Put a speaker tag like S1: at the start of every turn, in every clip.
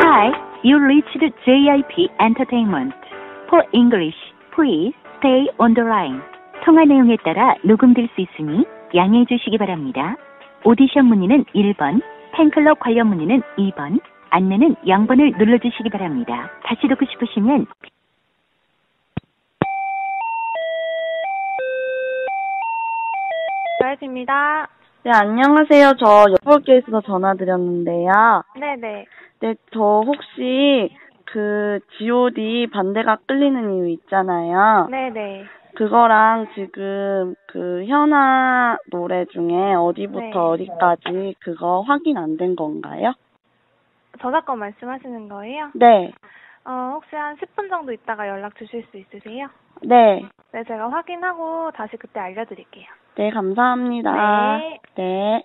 S1: Hi, you reached JIP Entertainment. For English, please stay on the line. 통화 내용에 따라 녹음될 수 있으니 양해해 주시기 바랍니다. 오디션 문의는 1번, 팬클럽 관련 문의는 2번, 안내는 0번을 눌러주시기 바랍니다. 다시 듣고 싶으시면
S2: JYP입니다.
S3: 네, 안녕하세요. 저 여볼게 있어서 전화드렸는데요.
S2: 네네.
S3: 네, 저 혹시 그 G.O.D 반대가 끌리는 이유 있잖아요.
S2: 네네.
S3: 그거랑 지금 그 현아 노래 중에 어디부터
S2: 네.
S3: 어디까지 그거 확인 안 된 건가요?
S2: 저작권 말씀하시는 거예요?
S3: 네.
S2: 혹시 한 10분 정도 있다가 연락 주실 수 있으세요?
S3: 네.
S2: 네, 제가 확인하고 다시 그때 알려드릴게요.
S3: 네, 감사합니다.
S2: 네.
S3: 네.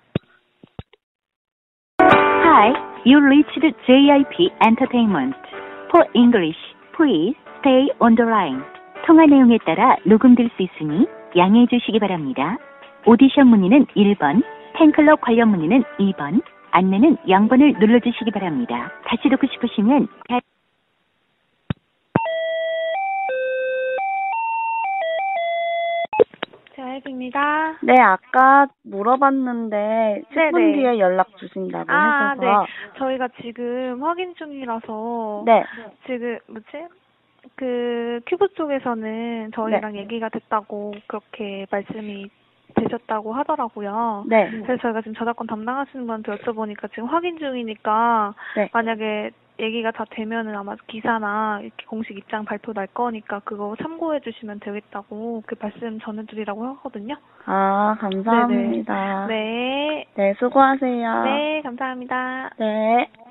S1: Hi, you reached JIP Entertainment. For English, please stay on the line. 통화 내용에 따라 녹음될 수 있으니 양해해 주시기 바랍니다. 오디션 문의는 1번, 팬클럽 관련 문의는 2번, 안내는 0번을 눌러주시기 바랍니다. 다시 듣고 싶으시면
S2: JYP입니다.
S3: 네, 아까 물어봤는데 10분
S2: 네네.
S3: 뒤에 연락 주신다고
S2: 네.
S3: 하셔서
S2: 저희가 지금 확인 중이라서
S3: 네.
S2: 지금 그 큐브 쪽에서는 저희랑 얘기가 됐다고 그렇게 말씀이 되셨다고 하더라고요.
S3: 네.
S2: 그래서 저희가 지금 저작권 담당하시는 분한테 여쭤보니까 지금 확인 중이니까
S3: 네.
S2: 만약에 얘기가 다 되면은 아마 기사나 이렇게 공식 입장 발표 날 거니까 그거 참고해 주시면 되겠다고 그 말씀 전해드리라고 하거든요.
S3: 아, 감사합니다.
S2: 네.
S3: 네, 수고하세요.
S2: 네, 감사합니다.
S3: 네.